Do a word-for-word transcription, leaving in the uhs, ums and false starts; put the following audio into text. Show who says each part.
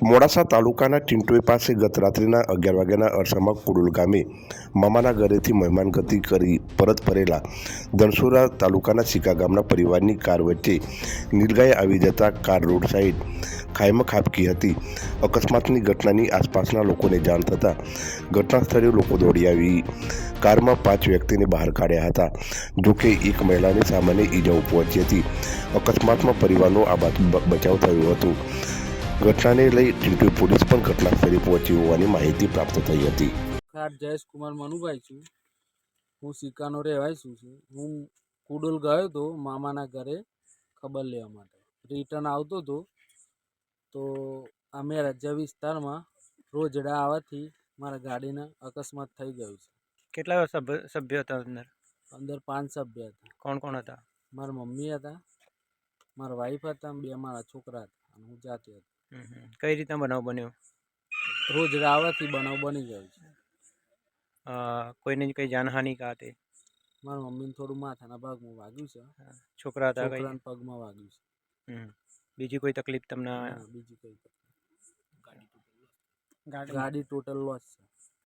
Speaker 1: મોડાસા તાલુકાના ટિન્ટોઈ પાસે ગત રાત્રિના અગિયાર વાગ્યાના અરસામાં કુડુલ ગામે મામાના ઘરેથી મહેમાનગતિ કરી પરત ફરેલા ધનસુરા તાલુકાના સિકા ગામના પરિવારની કાર વચ્ચે નીલગાય આવી જતા કાર રોડ સાઈડ ખાઈમાં ખાબકી હતી. અકસ્માતની ઘટનાની આસપાસના લોકોને જાણ થતાં ઘટના સ્થળે લોકો દોડી આવી કારમાં પાંચ વ્યક્તિને બહાર કાઢ્યા હતા. જોકે એક મહિલાને સામાન્ય ઈજાઓ પહોંચી હતી. અકસ્માતમાં પરિવારનો આબાદ બચાવ થયો હતો. ઘટનાને લઈ ટિન્ટોઈ પોલીસ પણ ઘટના સ્થળે પહોંચી હોવાની માહિતી પ્રાપ્ત થઈ હતી.
Speaker 2: ખાટ જયેશ કુમાર મનુભાઈ છું. હું સિકાનો રહેવાસી છું. હું કુડોલ ગયો હતો મામાના ઘરે ખબર લેવા માટે. રિટર્ન આવતો હતો તો અમે રજા વિસ્તારમાં રોજડા આવવાથી મારા ગાડીના અકસ્માત થઈ ગયું છે.
Speaker 3: કેટલા સભ્ય સભ્ય હતા અંદર?
Speaker 2: અંદર પાંચ સભ્ય હતા.
Speaker 3: કોણ કોણ હતા?
Speaker 2: મારા મમ્મી હતા, મારા વાઈફ હતા, બે મારા છોકરા હતા અને હું જાતે હતો.
Speaker 3: કઈ રીતના બનાવ બન્યો?
Speaker 2: રોજડા આવવાથી બનાવ બની ગયો છે.
Speaker 3: કોઈને કઈ જાનહાનિ કા હતી?
Speaker 2: મારા મમ્મીને થોડું માથાના ભાગમાં વાગ્યું છે.
Speaker 3: છોકરા હતા?
Speaker 2: છોકરાના પગમાં વાગ્યું છે.
Speaker 3: બીજી કોઈ તકલીફ તમને?
Speaker 2: બીજી કોઈ ગાડી ટોટલ લોસ છે.